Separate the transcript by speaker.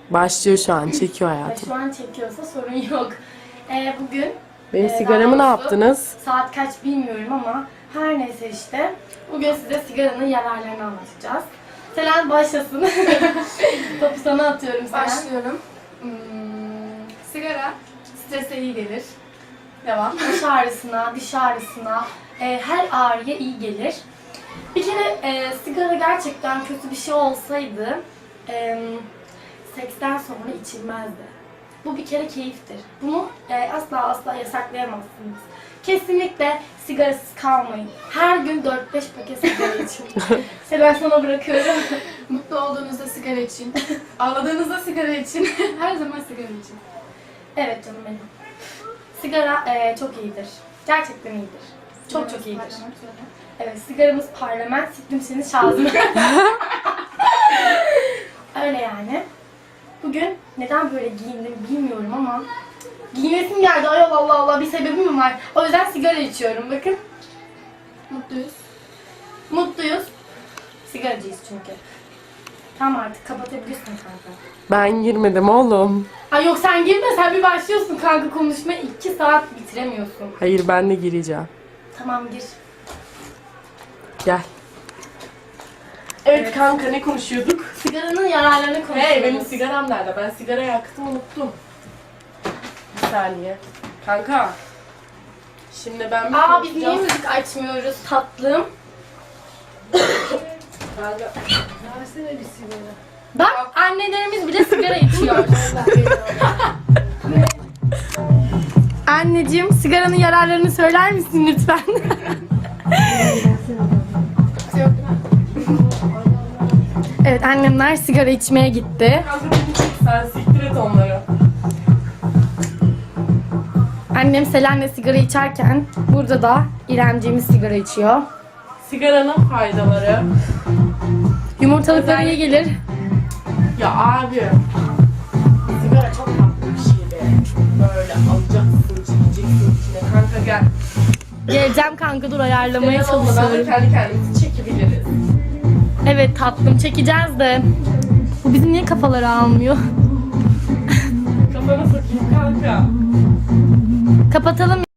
Speaker 1: Başlıyor şu an. Çekiyor
Speaker 2: Ve
Speaker 1: hayatım.
Speaker 2: şu an çekiyorsa sorun yok. Bugün
Speaker 1: Benim
Speaker 2: daha
Speaker 1: sigaramı ne
Speaker 2: doğrusu
Speaker 1: yaptınız?
Speaker 2: Saat kaç bilmiyorum ama her neyse işte. Bugün size sigaranın yararlarını anlatacağız. Selen başlasın. Topu sana atıyorum Selen.
Speaker 3: Başlıyorum. Sigara strese iyi gelir. Devam.
Speaker 2: Baş ağrısına, diş ağrısına, her ağrıya iyi gelir. Bir kere sigara gerçekten kötü bir şey olsaydı seksten sonra içilmezdi. Bu bir kere keyiftir. Bunu asla yasaklayamazsınız. Kesinlikle sigarasız kalmayın. Her gün 4-5 paket sigara için. Ben sana bırakıyorum.
Speaker 3: Mutlu olduğunuzda sigara için. Ağladığınızda sigara için. Her zaman sigara için.
Speaker 2: Evet canım benim. Sigara çok iyidir. Gerçekten iyidir. Çok iyidir. Evet, sigaramız parlament, siktim seni şazım. Öyle yani. Bugün neden böyle giyindim bilmiyorum ama giyinesim geldi. Ay Allah Allah, bir sebebi mi var? O yüzden sigara içiyorum. Bakın.
Speaker 3: Mutluyuz.
Speaker 2: Mutluyuz. Sigaracıyız çünkü. Tamam, artık kapatabilirsin kanka.
Speaker 1: Ben girmedim oğlum.
Speaker 2: Ay yok, sen girme, sen bir başlıyorsun kanka konuşmaya. 2 saat bitiremiyorsun.
Speaker 1: Hayır, ben de gireceğim.
Speaker 2: Tamam, gir.
Speaker 1: Gel. Evet kanka, ne konuşuyorduk?
Speaker 2: Sigaranın yararlarını konuşuyoruz.
Speaker 1: Hey, benim sigaram nerede? Ben sigara yaktım, unuttum. Bir saniye. Kanka. Şimdi ben bir
Speaker 2: Aa, biz niye
Speaker 1: konuşacağım.
Speaker 2: müzik açmıyoruz tatlım?
Speaker 1: Kanka.
Speaker 3: Versene bir sigara.
Speaker 2: Bak, annelerimiz bile sigara içiyor. Anneciğim, sigaranın yararlarını söyler misin lütfen? Evet, annemler sigara içmeye gitti.
Speaker 1: Kanka beni çek, sen siktir et onları.
Speaker 2: Annem Selen'le sigara içerken burada da İremciğimiz sigara içiyor.
Speaker 1: Sigaranın faydaları.
Speaker 2: Yumurtalıklara iyi gelir.
Speaker 1: Ya abi. Sigara çok tatlı bir şey be. Böyle alacaksın, çekeceksin içine. Kanka gel.
Speaker 2: Geleceğim kanka, dur ayarlamaya
Speaker 1: Sigara olmadan da
Speaker 2: çalışıyorum.
Speaker 1: kendi kendimizi çekebiliriz.
Speaker 2: Evet tatlım, çekeceğiz de. Bu bizim niye kafaları almıyor?
Speaker 1: Kafana sokayım kanka.
Speaker 2: Kapatalım.